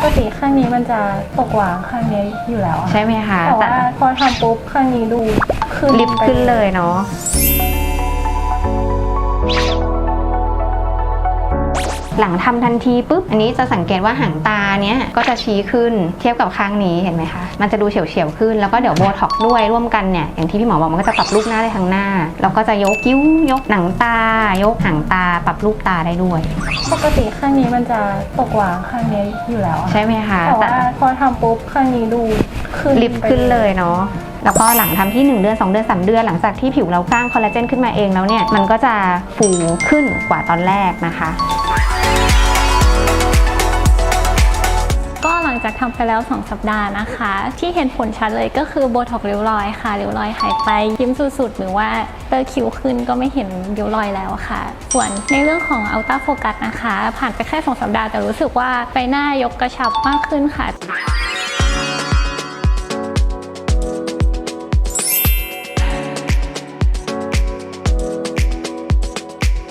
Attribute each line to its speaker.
Speaker 1: กติข้างนี้มันจะตกหวางข้างนี้อยู่แล้ว
Speaker 2: ใช่ไหมคะ
Speaker 1: แต่ว่าพอทำปุ๊บข้างนี้ดูขึ้น
Speaker 2: ลิฟต์ขึ้นเลยเนาะหลังทำทันทีปุ๊บอันนี้จะสังเกตว่าหางตาเนี้ยก็จะชี้ขึ้นเทียบกับข้างนี้เห็นไหมคะมันจะดูเฉียวๆขึ้นแล้วก็เดี๋ยวโบท็อกซ์ด้วยร่วมกันเนี่ยอย่างที่พี่หมอบอกมันก็จะปรับรูปหน้าได้ทั้งหน้าแล้วก็จะยกคิ้วยกหนังตายกหางตาปรับรูปตาได้ด้วย
Speaker 1: ปกติข้างนี้มันจะตกหวางข้างนี้อยู่แล้ว
Speaker 2: ใช่ไหมคะ
Speaker 1: แต่ว่าพอทำปุ๊บข้างนี้ดูขึ้น
Speaker 2: ลิฟต์ขึ้นเลยเนาะแล้วก็หลังทำที่1เดือน2เดือน3เดือนหลังจากที่ผิวเราสร้างคอลลาเจนขึ้นมาเองแล้วเนี่ยมันก็จะฟูขึ้นกว่าตอนแรกนะคะ
Speaker 1: ก็หลังจากทำไปแล้ว2สัปดาห์นะคะที่เห็นผลชัดเลยก็คือโบท็อกซ์ริ้วรอยค่ะริ้วรอยหายไปยิ้มสุดๆหรือว่าเตอร์คิ้วขึ้นก็ไม่เห็นริ้วรอยแล้วค่ะส่วนในเรื่องของอัลต้าโฟกัสนะคะผ่านไปแค่2สัปดาห์แต่รู้สึกว่าใบหน้ายกกระชับมากขึ้นค่ะ